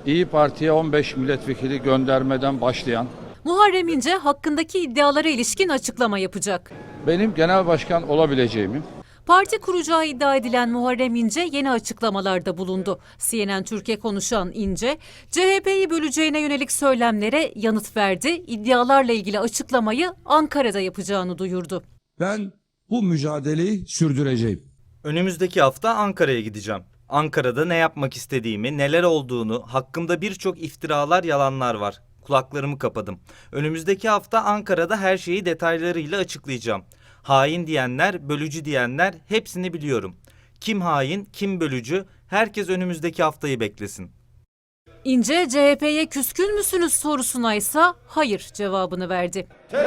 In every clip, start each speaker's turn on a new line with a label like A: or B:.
A: İyi Parti'ye 15 milletvekili göndermeden başlayan,
B: Muharrem İnce hakkındaki iddialara ilişkin açıklama yapacak.
A: benim genel başkan olabileceğimi,
B: Parti kuracağı iddia edilen Muharrem İnce yeni açıklamalarda bulundu. CNN Türkiye konuşan İnce, CHP'yi böleceğine yönelik söylemlere yanıt verdi. İddialarla ilgili açıklamayı Ankara'da yapacağını duyurdu.
C: Ben bu mücadeleyi sürdüreceğim.
D: Önümüzdeki hafta Ankara'ya gideceğim. Ankara'da ne yapmak istediğimi, neler olduğunu, hakkımda birçok iftiralar, yalanlar var. Kulaklarımı kapadım. Önümüzdeki hafta Ankara'da her şeyi detaylarıyla açıklayacağım. Hain diyenler, bölücü diyenler hepsini biliyorum. Kim hain, kim bölücü, herkes önümüzdeki haftayı beklesin.
B: İnce, CHP'ye küskün müsünüz sorusuna ise hayır cevabını verdi.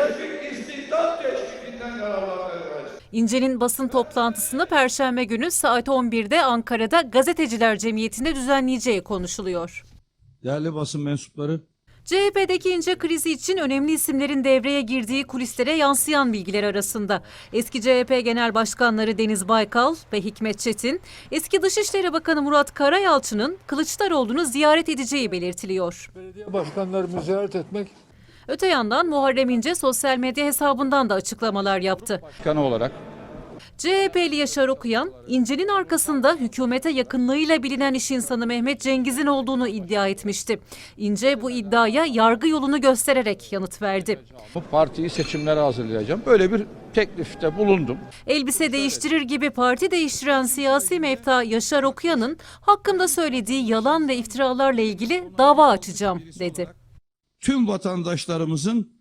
B: İnce'nin basın toplantısını Perşembe günü saat 11'de Ankara'da Gazeteciler Cemiyeti'nde düzenleyeceği konuşuluyor.
C: Değerli basın mensupları,
B: CHP'deki İnce krizi için önemli isimlerin devreye girdiği kulislere yansıyan bilgiler arasında. Eski CHP Genel Başkanları Deniz Baykal ve Hikmet Çetin, eski Dışişleri Bakanı Murat Karayalçı'nın Kılıçdaroğlu'nu ziyaret edeceği belirtiliyor.
E: Belediye başkanlarımı ziyaret etmek
B: Öte yandan Muharrem İnce sosyal medya hesabından da açıklamalar yaptı.
A: başkanı olarak
B: CHP'li Yaşar Okuyan, İnce'nin arkasında hükümete yakınlığıyla bilinen iş insanı Mehmet Cengiz'in olduğunu iddia etmişti. İnce bu iddiaya yargı yolunu göstererek yanıt verdi.
A: bu partiyi seçimlere hazırlayacağım. Böyle bir teklifte bulundum.
B: Elbise değiştirir gibi parti değiştiren siyasi mefta Yaşar Okuyan'ın hakkımda söylediği yalan ve iftiralarla ilgili dava açacağım dedi.
C: tüm vatandaşlarımızın